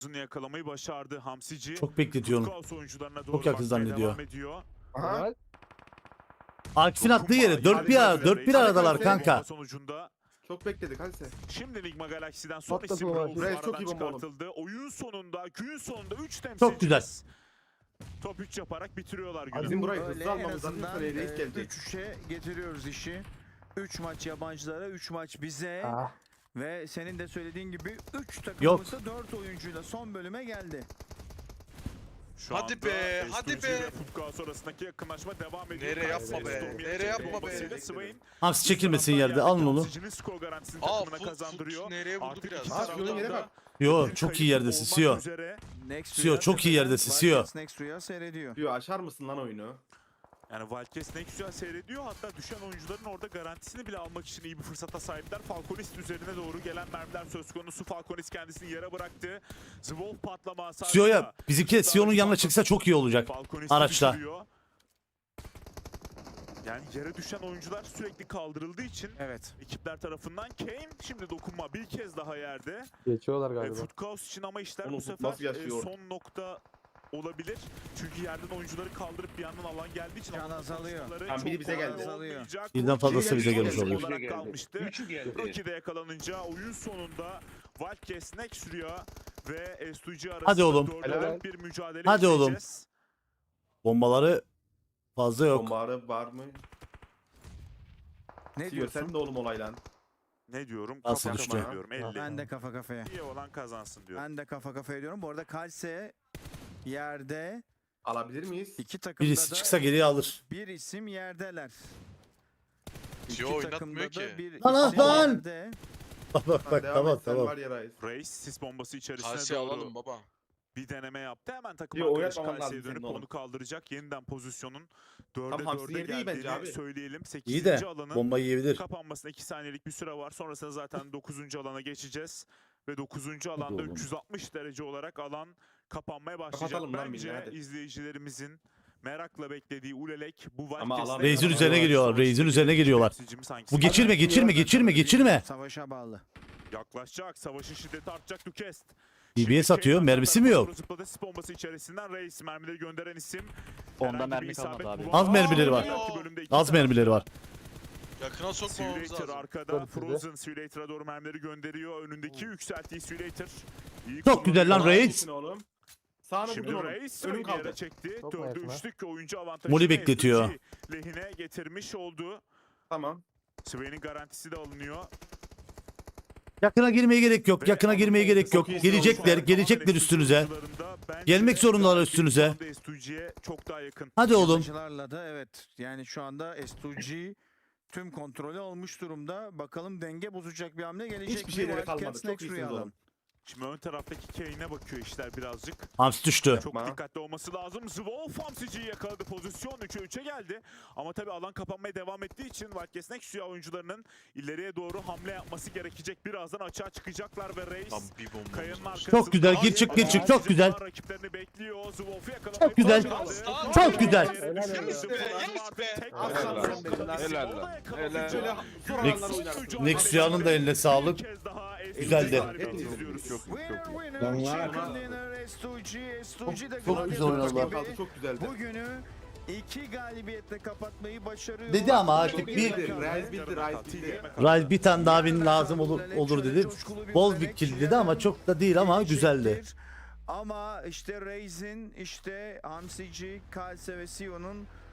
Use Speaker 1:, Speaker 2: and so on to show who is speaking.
Speaker 1: yakalamayı başardı Hamsici.
Speaker 2: Çok bekletiyor onu.
Speaker 1: Oyuncularına doğru
Speaker 2: Çok yakın zannediyor.
Speaker 3: Aha.
Speaker 2: Akif'in attığı yere 4-1 aradalar kanka.
Speaker 1: Sonucunda
Speaker 3: Çok bekledik hadi sen.
Speaker 1: şimdi Ligma Galaxy'den son
Speaker 4: Patladı
Speaker 1: isim
Speaker 4: bu
Speaker 1: Rauf
Speaker 3: Buraya çok
Speaker 1: aradan
Speaker 3: iyi bomba oğlum.
Speaker 1: çıkartıldı. Oyun sonunda, gün sonunda 3 temsilcimiz
Speaker 2: Çok güzel.
Speaker 1: top 3 yaparak bitiriyorlar günü.
Speaker 3: Bizim burayı
Speaker 5: Öyle
Speaker 3: hızlı
Speaker 5: en
Speaker 3: almamız lazım.
Speaker 5: azından
Speaker 3: Sonra reis gelecek.
Speaker 5: 3-3'e getiriyoruz işi. 3 maç yabancılara, 3 maç bize.
Speaker 4: Ah.
Speaker 5: Ve senin de söylediğin gibi 3
Speaker 2: Yok.
Speaker 5: takımımız da 4 oyuncuyla son bölüme geldi.
Speaker 1: Şu
Speaker 6: Hadi
Speaker 1: anda
Speaker 6: be, hadi
Speaker 1: Estuji
Speaker 6: be.
Speaker 1: ve Futbol sonrasındaki yakınlaşma devam ediyor.
Speaker 6: Nereye yapma
Speaker 1: Kayseri
Speaker 6: be,
Speaker 1: Storm'un
Speaker 6: nereye yapma be.
Speaker 1: bombasıyla Swain
Speaker 2: Hamsi çekilmesin yerde, alın onu.
Speaker 1: Hamsici'nin skor garantisini takımına kazandırıyor.
Speaker 6: Nereye vurdu
Speaker 1: Artık
Speaker 6: biraz.
Speaker 1: iki
Speaker 3: Ha,
Speaker 1: taraftan
Speaker 3: yere
Speaker 1: da
Speaker 3: bak.
Speaker 2: Yo
Speaker 1: bir
Speaker 2: çok iyi
Speaker 1: kayıp
Speaker 2: yerdesin
Speaker 1: olmak
Speaker 2: Sio.
Speaker 1: üzere.
Speaker 5: Next
Speaker 2: Sio, çok iyi yerdesin, Sio.
Speaker 5: Next Rüya seyrediyor.
Speaker 3: Diyor açar mısın lan oyunu?
Speaker 1: Yani Wildcats ne güzel seyrediyor. Hatta düşen oyuncuların orada garantisini bile almak için iyi bir fırsata sahipler. Falconist üzerine doğru gelen mermiler söz konusu. Falconist kendisini yere bıraktı. Zwolf patlama hasarıyla.
Speaker 2: Sio'ya bizimki de Sio'nun yanına çıksa çok iyi olacak.
Speaker 1: Falconist'i
Speaker 2: araçla.
Speaker 1: düşürüyor. Yani yere düşen oyuncular sürekli kaldırıldığı için
Speaker 5: Evet.
Speaker 1: ekipler tarafından Kane şimdi dokunma bir kez daha yerde.
Speaker 4: Geçiyorlar galiba.
Speaker 1: Foot Chaos için ama işler
Speaker 3: Oğlum,
Speaker 1: bu
Speaker 3: Foot
Speaker 1: sefer
Speaker 3: nasıl yaşıyor?
Speaker 1: son nokta olabilir. Çünkü yerden oyuncuları kaldırıp bir yandan alan geldiği için
Speaker 5: Can
Speaker 1: alan
Speaker 5: azalıyor.
Speaker 1: konuşmaları
Speaker 3: Tamam, biri
Speaker 1: çok
Speaker 3: bize geldi.
Speaker 1: olmayacak.
Speaker 2: Birden fazlası bize gelmiş
Speaker 1: Rocky
Speaker 2: oluyor.
Speaker 1: olarak kalmıştı.
Speaker 7: Üçü geldi.
Speaker 1: Rocky'de yakalanınca oyun sonunda Wildcats Next Rüya ve S2G arasında
Speaker 2: Hadi oğlum.
Speaker 1: 4'e
Speaker 3: Helal.
Speaker 1: 4 bir mücadele
Speaker 2: Hadi oğlum.
Speaker 1: izleyeceğiz.
Speaker 2: Bombaları fazla yok.
Speaker 3: Bombarı var mı?
Speaker 5: Ne
Speaker 3: Diyor sen
Speaker 5: diyorsun?
Speaker 3: de oğlum olaylan.
Speaker 1: Ne diyorum?
Speaker 2: Nasıl
Speaker 1: Kafa
Speaker 2: düştü?
Speaker 1: kafaya diyorum. 50.
Speaker 5: Ben de kafa kafaya.
Speaker 1: İyi olan kazansın diyorum.
Speaker 5: Ben de kafa kafaya diyorum. Bu arada Kalse yerde,
Speaker 3: Alabilir miyiz?
Speaker 5: iki takımda
Speaker 2: Birisi
Speaker 5: da
Speaker 2: çıksa geriye alır.
Speaker 5: bir isim yerdeler.
Speaker 6: Sio
Speaker 5: İki
Speaker 6: oynatmıyor
Speaker 5: takımda
Speaker 6: ki.
Speaker 5: da bir
Speaker 2: Lan,
Speaker 5: isim
Speaker 2: lan!
Speaker 5: yerde.
Speaker 2: Bak bak bak
Speaker 3: Devam
Speaker 2: tamam
Speaker 3: et, sen
Speaker 2: tamam.
Speaker 3: var ya Reis.
Speaker 1: Reis sis bombası içerisine
Speaker 6: Kalsiye
Speaker 1: doğru
Speaker 6: alalım baba.
Speaker 1: bir deneme yaptı. Hemen takım
Speaker 3: Yo,
Speaker 1: arkadaşı
Speaker 3: oynatmaman
Speaker 1: Kalsi'ye
Speaker 3: lazım
Speaker 1: dönüp
Speaker 3: senin oğlum.
Speaker 1: onu kaldıracak. Yeniden pozisyonun
Speaker 3: Tam
Speaker 1: 4'e
Speaker 3: Hamsi
Speaker 1: 4'e
Speaker 3: yeri iyi bence
Speaker 1: geldiğini
Speaker 3: abi.
Speaker 1: söyleyelim. 8.
Speaker 2: İyi de
Speaker 1: alanın
Speaker 2: bomba yiyebilir.
Speaker 1: kapanmasına 2 saniyelik bir süre var. Sonrasında zaten 9. alana geçeceğiz. Ve 9. alanda
Speaker 2: oğlum.
Speaker 1: 360 derece olarak alan kapanmaya başlayacak.
Speaker 3: Kapatalım lan
Speaker 1: Bence
Speaker 3: milli, hadi.
Speaker 1: izleyicilerimizin merakla beklediği Ulelek bu
Speaker 3: Ama
Speaker 1: Wildcats'le
Speaker 3: alan-
Speaker 2: Reis'in
Speaker 1: beraber
Speaker 2: üzerine geliyorlar,
Speaker 1: savaşta
Speaker 2: Reis'in üzerine geliyorlar.
Speaker 1: temsilcimiz hangisi?
Speaker 2: Bu geçirme.
Speaker 5: Savaşa bağlı.
Speaker 1: Yaklaşacak. Savaşın şiddeti artacak. Dukest.
Speaker 2: DBS atıyor, mermisi mi yok?
Speaker 1: Zıpladı sis bombası içerisinden Reis mermileri gönderen isim.
Speaker 7: Onda
Speaker 1: Herhangi bir
Speaker 7: mermi
Speaker 1: isabet
Speaker 7: kalmadı abi.
Speaker 1: bulamadı.
Speaker 2: Az mermileri var.
Speaker 1: Belki bölümde iki
Speaker 2: Az
Speaker 1: tane.
Speaker 2: mermileri var.
Speaker 6: Yakına sokmamamız
Speaker 1: Simulator
Speaker 6: lazım.
Speaker 1: arkada.
Speaker 4: Tabii, tabii.
Speaker 1: Frozen Simulator'a doğru mermileri gönderiyor. Önündeki yükselttiği Simulator. İyi
Speaker 2: Çok güzel lan
Speaker 1: kullanıyor.
Speaker 2: Reis.
Speaker 3: Sağını oğlum. Sağını
Speaker 1: Şimdi
Speaker 3: vurdun oğlum.
Speaker 1: Reis
Speaker 3: Önüm
Speaker 1: önüm yere
Speaker 3: kaldı.
Speaker 1: çekti.
Speaker 4: Çok mu
Speaker 1: 4'e
Speaker 4: yakın ha?
Speaker 1: 3'lük oyuncu avantajını
Speaker 2: Moli bekletiyor.
Speaker 1: S2G lehine getirmiş oldu.
Speaker 3: Tamam.
Speaker 1: Swain'in garantisi de alınıyor.
Speaker 2: Yakına girmeye gerek yok. Yakına girmeye gerek yok.
Speaker 3: Çok iyi.
Speaker 2: Gelecekler üstünüze. Gelmek zorundalar üstünüze.
Speaker 1: S2G'ye çok daha yakın.
Speaker 2: Hadi oğlum.
Speaker 5: Yabancılarla da evet. Yani şu anda S2G tüm kontrolü almış durumda. Bakalım denge bozacak bir hamle gelecek.
Speaker 3: Hiçbir
Speaker 5: mi?
Speaker 3: şeyleri kalmadı.
Speaker 5: Wildcats
Speaker 3: Çok
Speaker 5: Next
Speaker 3: iyisiniz
Speaker 5: Rüya'dan.
Speaker 3: oğlum.
Speaker 1: Şimdi ön taraftaki Kane'e bakıyor işler birazcık.
Speaker 2: Hamsi düştü.
Speaker 1: Çok
Speaker 3: Bana.
Speaker 1: dikkatli olması lazım. Zwolf Hamsici'yi yakaladı. Pozisyon 3'e 3'e geldi. Ama tabii alan kapanmaya devam ettiği için Wildcats Next Rüya oyuncularının ileriye doğru hamle yapması gerekecek. Birazdan açığa çıkacaklar ve Reis
Speaker 6: Tam bir bomba.
Speaker 1: Kayanın arkasında.
Speaker 2: Çok güzel, gir çık, çok güzel.
Speaker 1: Rakiplerini bekliyor. Zwolf'u yakalamayı
Speaker 2: Çok güzel.
Speaker 1: başardı.
Speaker 2: Çok güzel.
Speaker 1: Helal
Speaker 6: Yes be, yes be.
Speaker 3: Helal lan.
Speaker 7: Helal lan. Helal.
Speaker 3: Şöyle zor alanlar oynarsın.
Speaker 2: Next Rüya'nın da eline sağlık. Güzeldi.
Speaker 5: Winner, chicken dinner, S2G de
Speaker 2: Çok güzel oynadılar.
Speaker 3: Kaldı, çok güzeldi.
Speaker 5: Bugünü 2 galibiyetle kapatmayı başarıyor.
Speaker 2: Dedi ama artık
Speaker 3: Çok
Speaker 2: bir
Speaker 3: iyiydi. Reis bildi, Reis bildi.
Speaker 2: Rise bir tane daha win lazım olur dedi. Bol bir kill dedi ama çok da değil ama güzeldi.
Speaker 5: Ama işte Reis'in, işte Hamsici, Kalse ve Sio'nun